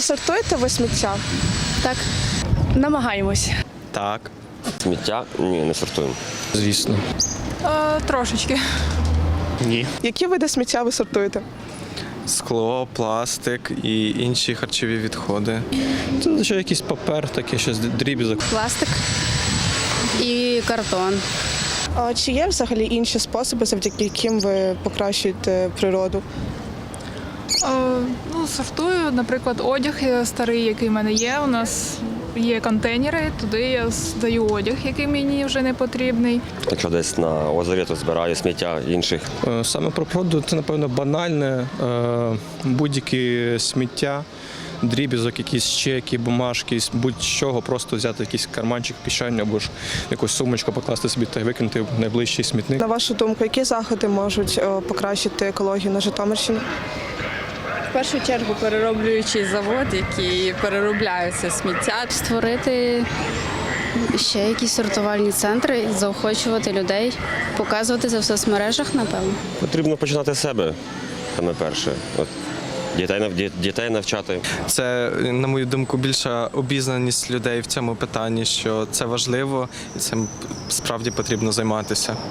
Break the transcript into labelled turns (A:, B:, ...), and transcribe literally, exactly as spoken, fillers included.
A: Чи сортуєте ви сміття?
B: Так. Намагаємось.
C: Так.
D: Сміття? Ні, не сортуємо.
C: Звісно.
E: Е, трошечки.
C: Ні.
A: Які види сміття ви сортуєте?
C: Скло, пластик і інші харчові відходи. Це ще якийсь папер, таке щось дріб'язок.
B: Пластик і картон.
A: А чи є взагалі інші способи, завдяки яким ви покращуєте природу?
E: Е, ну, сортую, наприклад, одяг старий, який в мене є. У нас є контейнери, туди я здаю одяг, який мені вже не потрібний.
D: Якщо десь на озері, то збираю сміття інших.
C: Е, Саме про природу це, напевно, банальне. Е, Будь-які сміття, дріб'язок, якісь чеки, бумажки, будь-чого, просто взяти якийсь карманчик, кишеню або ж якусь сумочку, покласти собі та й викинути в найближчий смітник.
A: На вашу думку, які заходи можуть е, покращити екологію на Житомирщині?
F: В першу чергу перероблюючий завод, який переробляє це сміття.
B: Створити ще якісь сортувальні центри, заохочувати людей, показувати це в соцмережах, напевно.
D: Потрібно починати з себе, саме перше. От, дітей, нав- дітей навчати.
C: Це, на мою думку, більша обізнаність людей в цьому питанні, що це важливо і цим справді потрібно займатися.